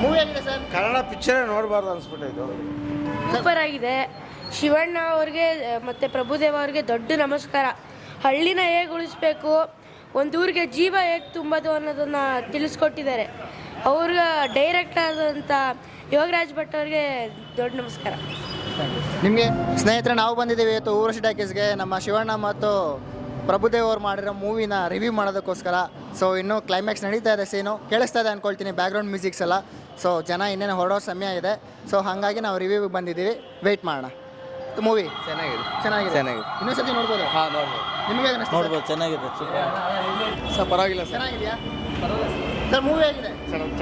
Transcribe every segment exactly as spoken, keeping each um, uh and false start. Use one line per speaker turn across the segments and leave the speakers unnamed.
Movie ಆಗಿದೆ sir.
Kannada ಪಿಕ್ಚರೇ ನೋಡಬಾರ್ದು ಅನ್ಸ್ಬಿಟ್ಟೈತು.
ಸೂಪರ್ ಆಗಿದೆ. ಶಿವಣ್ಣ ಅವ್ರಿಗೆ ಮತ್ತು ಪ್ರಭುದೇವ ಅವ್ರಿಗೆ ದೊಡ್ಡ ನಮಸ್ಕಾರ. ಹಳ್ಳಿನ ಹೇಗೆ ಉಳಿಸ್ಬೇಕು, ಒಂದು ಊರಿಗೆ ಜೀವ ಹೇಗೆ ತುಂಬೋದು ಅನ್ನೋದನ್ನು ತಿಳಿಸ್ಕೊಟ್ಟಿದ್ದಾರೆ. ಅವ್ರ ಡೈರೆಕ್ಟ್ ಆದಂಥ ಯೋಗರಾಜ್ ಭಟ್ ಅವ್ರಿಗೆ ದೊಡ್ಡ ನಮಸ್ಕಾರ.
ನಿಮಗೆ ಸ್ನೇಹಿತರೆ, ನಾವು ಬಂದಿದ್ದೀವಿ ಇವತ್ತು ಊರ್ವಶಿ ಟಾಕೀಸ್ಗೆ ನಮ್ಮ ಶಿವಣ್ಣ ಮತ್ತು ಪ್ರಭುದೇವ್ ಅವ್ರು ಮಾಡಿರೋ ಮೂವಿನ ರಿವ್ಯೂ ಮಾಡೋದಕ್ಕೋಸ್ಕರ. ಸೊ ಇನ್ನೂ ಕ್ಲೈಮ್ಯಾಕ್ಸ್ ನಡೀತಾ ಇದೆ, ಸೀನು ಕೇಳಿಸ್ತಾ ಇದೆ ಅಂದ್ಕೊಳ್ತೀನಿ, ಬ್ಯಾಕ್ಗ್ರೌಂಡ್ ಮ್ಯೂಸಿಕ್ಸ್ ಎಲ್ಲ. ಸೊ ಜನ ಇನ್ನೇನು ಹೊರಡೋ ಸಮಯ ಇದೆ. ಸೊ ಹಾಗಾಗಿ ನಾವು ರಿವ್ಯೂಗೆ ಬಂದಿದ್ದೀವಿ, ವೆಯ್ಟ್ ಮಾಡೋಣ. ಮೂವಿ
ಚೆನ್ನಾಗಿದೆ
ಚೆನ್ನಾಗಿದೆ
ಚೆನ್ನಾಗಿದೆ
ಇನ್ನೊಂದ್ಸತಿ ನೋಡ್ಬೋದು.
ಹಾಂ ನೋಡ್ಬೋದು
ನಿಮಗೆ ಅನಿಸ್ತು?
ನೋಡ್ಬೋದು ಚೆನ್ನಾಗಿದೆ ಸರ್ ಪರವಾಗಿಲ್ಲ ಸರ್
ಚೆನ್ನಾಗಿದೆಯಾ ಸರ್? ಮೂವಿ ಆಗಿದೆ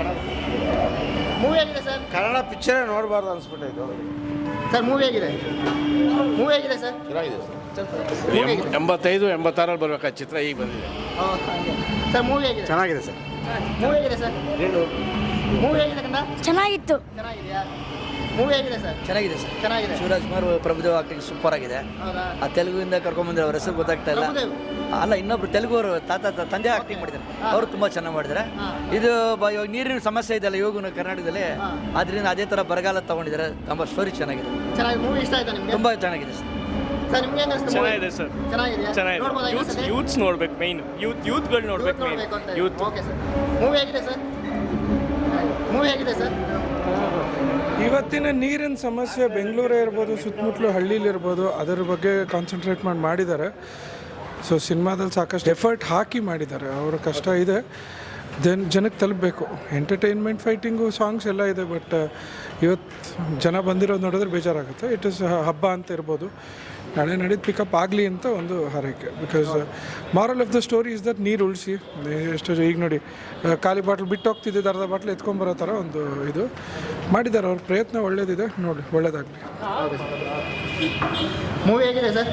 ಮೂವಿ ಆಗಿದೆ ಸರ್.
ಕನ್ನಡ ಪಿಕ್ಚರೇ ನೋಡಬಾರ್ದು ಅನ್ಸ್ಬಿಟ್ಟೈತು.
ಸರ್ ಮೂವಿ ಆಗಿದೆ ಮೂವಿ ಆಗಿದೆ ಸರ್.
ಚೆನ್ನಾಗಿದೆ ಸರ್. ಎಂಬತ್ತೈದು ಎಂಬತ್ತಾರಲ್ಲಿ ಬರ್ಬೇಕಾದ ಚಿತ್ರ ಈಗ ಬಂದಿದೆ.
ಸರ್ ಮೂವಿ ಆಗಿದೆ
ಚೆನ್ನಾಗಿದೆ ಸರ್.
ಮೂವಿ ಆಗಿದೆ ಸರ್. ಮೂವಿ ಆಗಿದೆ ಕಂದ
ಚೆನ್ನಾಗಿತ್ತು.
ಚೆನ್ನಾಗಿದೆಯಾ? ಮೂವಿ ಆಗಿದೆ ಸರ್.
ಚೆನ್ನಾಗಿದೆ ಸರ್
ಚೆನ್ನಾಗಿದೆ.
ಶಿವರಾಜ್ ಕುಮಾರ್ ಪ್ರಭುದೇವ್ ಆಕ್ಟಿಂಗ್ ಸೂಪರ್ ಆಗಿದೆ.
ಹೌದಾ?
ಆ ತೆಲುಗುವಿಂದ ಕರ್ಕೊಂಡ್ಬಂದ್ರೆ ಅವ್ರ ಹೆಸರು ಗೊತ್ತಾಗ್ತಾ ಇಲ್ಲ.
ಪ್ರಭುದೇವ್.
ಅಲ್ಲ, ಇನ್ನೊಬ್ರು ತೆಲುಗು ಅವರು ತಾತ ತ- ತಂದೆ ಆಕ್ಟಿಂಗ್ ಮಾಡಿದ್ದಾರೆ. ಅವರು ತುಂಬ ಚೆನ್ನಾಗಿ ಮಾಡಿದ್ದಾರೆ. ಇದು ಬ- ಇವಾಗ ನೀರಿನ ಸಮಸ್ಯೆ ಇದೆಯಲ್ಲ ಇವಾಗ ಕರ್ನಾಟಕದಲ್ಲಿ, ಅದರಿಂದ ಅದೇ ಥರ ಬರಗಾಲ ತಗೊಂಡಿದ್ದಾರೆ. ತುಂಬ ಸ್ಟೋರಿ ಚೆನ್ನಾಗಿದೆ,
ಚೆನ್ನಾಗಿ ಮೂವಿ ಇಷ್ಟ ಆಯ್ತಾ ನಿಮಗೆ?
ತುಂಬ ಚೆನ್ನಾಗಿದೆ ಸರ್.
ಸರ್ ನಿಮ್ಗೆ ಹೆಂಗ್ ಅನ್ಸ್ತು?
ಚೆನ್ನಾಗಿದೆ ಸರ್.
ಚೆನ್ನಾಗಿದೆಯಾ?
ಚೆನ್ನಾಗಿದೆ.
ನೋಡ್ಬೋದಾ
ಯೂತ್ಸ್
ಇನ್ನೊಂದ್ಸತಿ?
ಯೂತ್ಸ್ ನೋಡ್ಬೇಕು, ಮೈನ್ ಯೂತ್ ಯೂತ್ಗಳು ನೋಡ್ಬೇಕು ಮೈನ್
ನೋಡ್ಬೇಕು ಅಂತ
ಯೂತ್.
Okay sir. ಮೂವಿ ಆಗಿದೆ ಸರ್. ಮೂವಿ ಆಗಿದೆ ಸರ್.
ಇವತ್ತಿನ ನೀರಿನ ಸಮಸ್ಯೆ ಬೆಂಗಳೂರೇ ಇರ್ಬೋದು, ಸುತ್ತಮುತ್ತಲು ಹಳ್ಳಿಲಿರ್ಬೋದು, ಅದರ ಬಗ್ಗೆ ಕಾನ್ಸಂಟ್ರೇಟ್ ಮಾಡಿ ಮಾಡಿದ್ದಾರೆ. ಸೊ ಸಿನಿಮಾದಲ್ಲಿ ಸಾಕಷ್ಟು ಎಫರ್ಟ್ ಹಾಕಿ ಮಾಡಿದ್ದಾರೆ. ಅವರ ಕಷ್ಟ ಇದೆ, ದೆನ್ ಜನಕ್ಕೆ ತಲುಪಬೇಕು. ಎಂಟರ್ಟೈನ್ಮೆಂಟ್, ಫೈಟಿಂಗು, ಸಾಂಗ್ಸ್ ಎಲ್ಲ ಇದೆ. ಬಟ್ ಇವತ್ತು ಜನ ಬಂದಿರೋದು ನೋಡಿದ್ರೆ ಬೇಜಾರಾಗುತ್ತೆ. ಇಟ್ ಇಸ್ ಹಬ್ಬ ಅಂತ ಇರ್ಬೋದು, ನಾಳೆ ನಡೀದು ಪಿಕಪ್ ಆಗಲಿ ಅಂತ ಒಂದು ಹಾರೈಕೆ. Because moral of the story is that ನೀರು ಉಳಿಸಿ. ಎಷ್ಟು ಈಗ ನೋಡಿ, ಖಾಲಿ ಬಾಟ್ಲ್ ಬಿಟ್ಟು ಹೋಗ್ತಿದ್ದಿದ್ದು ಅರ್ಧ ಬಾಟ್ಲ್ ಎತ್ಕೊಂಬರೋ ಥರ ಒಂದು ಇದು ಮಾಡಿದ್ದಾರೆ. ಅವ್ರ ಪ್ರಯತ್ನ ಒಳ್ಳೇದಿದೆ, ನೋಡಿ ಒಳ್ಳೇದಾಗಲಿ.
ಮೂವಿ ಆಗಿದೆ ಸರ್.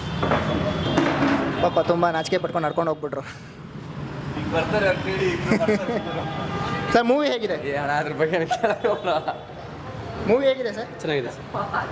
ಪಾಪ ತುಂಬ ನಾಚಿಕೆ ಪಟ್ಕೊಂಡು ನಡ್ಕೊಂಡು ಹೋಗ್ಬಿಟ್ರು. ಸರ್ ಮೂವಿ ಹೇಗಿದೆ?
ಅದ್ರ ಬಗ್ಗೆ
ಮೂವಿ ಹೇಗಿದೆ ಸರ್?
ಚೆನ್ನಾಗಿದೆ ಸರ್.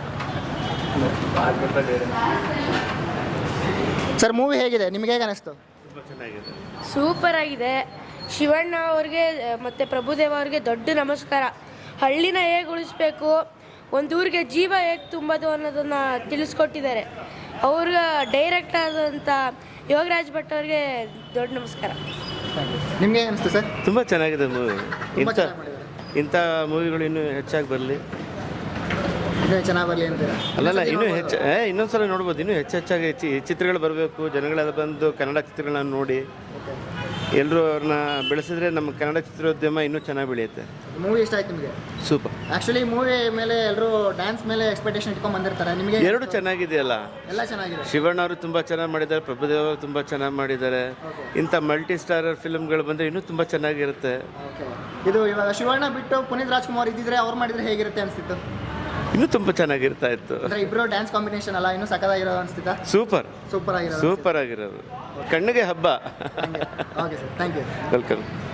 ಸರ್ ಮೂವಿ ಹೇಗಿದೆ? ನಿಮಗೆ ಹೇಗೆ ಅನಿಸ್ತು?
ಸೂಪರ್ ಆಗಿದೆ. ಶಿವಣ್ಣ ಅವ್ರಿಗೆ ಮತ್ತು ಪ್ರಭುದೇವ ಅವ್ರಿಗೆ ದೊಡ್ಡ ನಮಸ್ಕಾರ. ಹಳ್ಳಿನ ಹೇಗೆ ಉಳಿಸ್ಬೇಕು, ಒಂದು ಊರಿಗೆ ಜೀವ ಹೇಗೆ ತುಂಬೋದು ಅನ್ನೋದನ್ನು ತಿಳಿಸ್ಕೊಟ್ಟಿದ್ದಾರೆ. ಅವ್ರ ಡೈರೆಕ್ಟ್ ಆದಂಥ ಯೋಗರಾಜ್ ಭಟ್ ಅವ್ರಿಗೆ ದೊಡ್ಡ ನಮಸ್ಕಾರ.
ನಿಮಗೆ ಹೇಗೆ ಅನಿಸ್ತು ಸರ್?
ತುಂಬ ಚೆನ್ನಾಗಿದೆ ಮೂವಿ.
ತುಂಬ
ಇಂಥ
ಚೆನ್ನಾಗಿ ಮಾಡಿದ್ದಾರೆ.
ಇಂಥ ಮೂವಿಗಳು ಇನ್ನೂ ಹೆಚ್ಚಾಗಿ ಬರಲಿ.
ಇನ್ನೂ ಚೆನ್ನಾಗಿ ಬರಲಿ ಅಂತೀರಾ?
ಅಲ್ಲಲ್ಲ, ಇನ್ನೂ ಹೆಚ್ಚು ಏ ಇನ್ನೊಂದು ಸಲ ನೋಡ್ಬೋದು. ಇನ್ನೂ ಹೆಚ್ಚು ಹೆಚ್ಚಾಗಿ ಚಿ ಚಿತ್ರಗಳು ಬರಬೇಕು. ಜನಗಳೆಲ್ಲ ಬಂದು ಕನ್ನಡ ಚಿತ್ರಗಳನ್ನ ನೋಡಿ ಎಲ್ಲರೂ ಅವ್ರನ್ನ ಬೆಳೆಸಿದ್ರೆ ನಮ್ಮ ಕನ್ನಡ ಚಿತ್ರೋದ್ಯಮ ಇನ್ನೂ ಚೆನ್ನಾಗಿ ಬೆಳೆಯುತ್ತೆ.
ಮೂವಿ ಇಷ್ಟ ಆಯ್ತು ನಿಮಗೆ?
ಸೂಪರ್.
ಆ್ಯಕ್ಚುಲಿ ಮೂವಿ ಮೇಲೆ ಎಲ್ಲರೂ ಡ್ಯಾನ್ಸ್ ಮೇಲೆ ಎಕ್ಸ್ಪೆಕ್ಟೇಷನ್ ಇಟ್ಕೊಂಡು ಬಂದಿರ್ತಾರೆ. ನಿಮಗೆ
ಎರಡು ಚೆನ್ನಾಗಿದೆಯಲ್ಲ.
ಎಲ್ಲ ಚೆನ್ನಾಗಿದೆ.
ಶಿವಣ್ಣ ಅವರು ತುಂಬ ಚೆನ್ನಾಗಿ ಮಾಡಿದ್ದಾರೆ, ಪ್ರಭುದೇವ ಅವರು ತುಂಬ ಚೆನ್ನಾಗಿ ಮಾಡಿದ್ದಾರೆ. ಇಂಥ ಮಲ್ಟಿ ಸ್ಟಾರರ್ ಫಿಲ್ಮ್ಗಳು ಬಂದರೆ ಇನ್ನೂ ತುಂಬ ಚೆನ್ನಾಗಿರುತ್ತೆ.
ಓಕೆ. ಇದು ಇವಾಗ ಶಿವಣ್ಣ ಬಿಟ್ಟು ಪುನೀತ್ ರಾಜ್ಕುಮಾರ್ ಇದ್ದಿದ್ರೆ ಅವ್ರು ಮಾಡಿದ್ರೆ ಹೇಗಿರುತ್ತೆ ಅನಿಸ್ತಿತ್ತು?
ಇನ್ನೂ ತುಂಬ ಚೆನ್ನಾಗಿರ್ತಾ ಇತ್ತು.
ಅಂದರೆ ಇಬ್ಬರು ಡ್ಯಾನ್ಸ್ ಕಾಂಬಿನೇಷನ್ ಅಲ್ಲ, ಇನ್ನೂ ಸಕ್ಕದಾಗಿರೋ ಅನಿಸ್ತಿತ್ತಾ?
ಸೂಪರ್
ಸೂಪರ್ ಆಗಿರೋದು.
ಸೂಪರ್ ಆಗಿರೋದು, ಕಣ್ಣಿಗೆ ಹಬ್ಬ.
Okay sir, thank you.
Welcome.